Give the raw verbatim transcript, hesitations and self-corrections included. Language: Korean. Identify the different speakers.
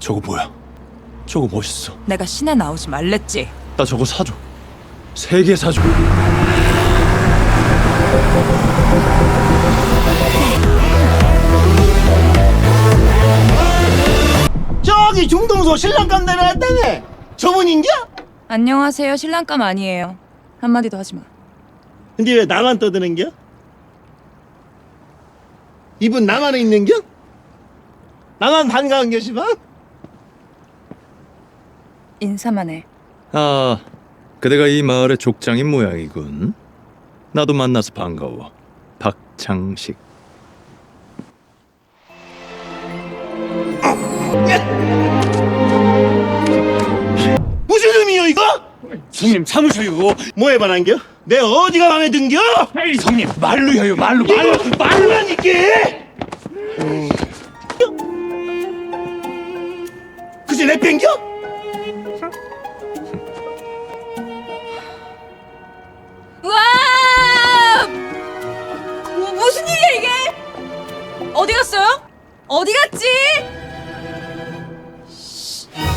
Speaker 1: 저거 뭐야? 저거 멋있어.
Speaker 2: 내가 시내 나오지 말랬지.
Speaker 1: 나 저거 사줘. 세 개 사줘.
Speaker 3: 저기 중동서 신랑감 내려왔다네. 저분인겨?
Speaker 2: 안녕하세요. 신랑감 아니에요. 한마디도 하지 마.
Speaker 3: 근데 왜 나만 떠드는겨? 이분 나만에 있는겨? 나만 반가운 겨시방?
Speaker 2: 인사만 해.
Speaker 1: 아, 그대가 이 마을의 족장인 모양이군. 나도 만나서 반가워. 박창식.
Speaker 3: 무슨 의미요 이거?
Speaker 4: 성님 참으셔요.
Speaker 3: 뭐에 반한겨? 내 어디가 마음에 든겨?
Speaker 4: 에이 성님 말로요 말로 말로
Speaker 3: 말라니까! 그제 내 뺑겨?
Speaker 2: 와! 뭐, 무슨 일이야 이게? 어디 갔어요? 어디 갔지?